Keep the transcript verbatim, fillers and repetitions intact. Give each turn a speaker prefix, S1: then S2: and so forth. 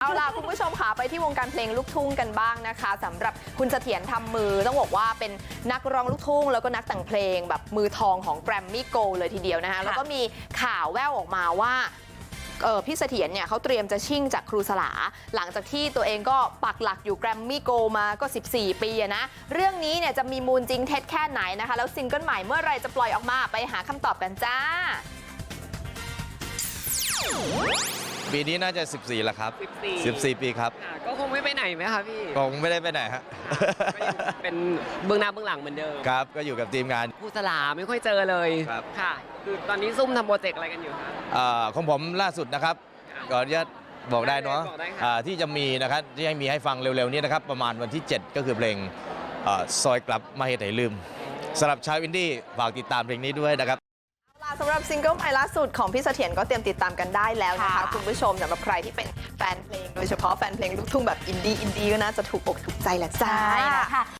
S1: ล่ะคุณผู้ชมค่ะไปที่วงการเพลงลูกทุ่งกันบ้างนะคะสำหรับคุณเสถียรทำมือต้องบอกว่าเป็นนักร้องลูกทุ่งแล้วก็นักแต่งเพลงแบบมือทองของแกรมมี่โกลเลยทีเดียวนะคะแล้วก็มีข่าวแว่วออกมาว่าเออพี่เสถียรเนี่ยเขาเตรียมจะชิ่งจากครูสลาหลังจากที่ตัวเองก็ปักหลักอยู่แกรมมี่โกลมาก็สิบสี่ปีนะเรื่องนี้เนี่ยจะมีมูลจริงเท็จแค่ไหนนะคะแล้วซิงเกิลใหม่เมื่อไรจะปล่อยออกมาไปหาคำตอบกันจ้า
S2: ปีนี้น่าจะสิบสี่แล้วครับ
S3: สิบสี่
S2: สิบสี่ปีครับ
S3: ก็คงไม่ไปไหนไหมคะพี่
S2: คงไม่ได้ไปไหนฮะ
S3: ก็ยังเป็นเบื้องหน้าเบื้องหลังเหมือนเดิม
S2: ครับก็อยู่กับทีมงาน
S3: ครูสลาไม่ค่อยเจอเลย
S2: ครับ
S3: ค่ะคือตอนนี้ซุ่มทำโปรเจกต์อะไรกันอยู่คะ
S2: อ่าของผมล่าสุดนะครับก่อนจะบอกได้เนาะ
S3: บอกได้ค่ะ
S2: อ่าที่จะมีนะครับที่ให้มีให้ฟังเร็วๆนี้นะครับประมาณวันที่ เจ็ด ก็คือเพลงอ่าซอยกลับมาเหตุไหนลืมสำหรับชาวอินดี้ฝากติดตามเพลงนี้ด้วยนะครับ
S1: สำหรับซิงเกิลใหม่ล่าสุดของพี่เสถียรก็เตรียมติดตามกันได้แล้วนะคะคุณผู้ชมสำหรับใครที่เป็นแฟนเพลงโดยเฉพาะแฟนเพลงลูกทุ่งแบบอินดี้อินดี้ก็น่าจะถูกอกถูกใจแหละจ้า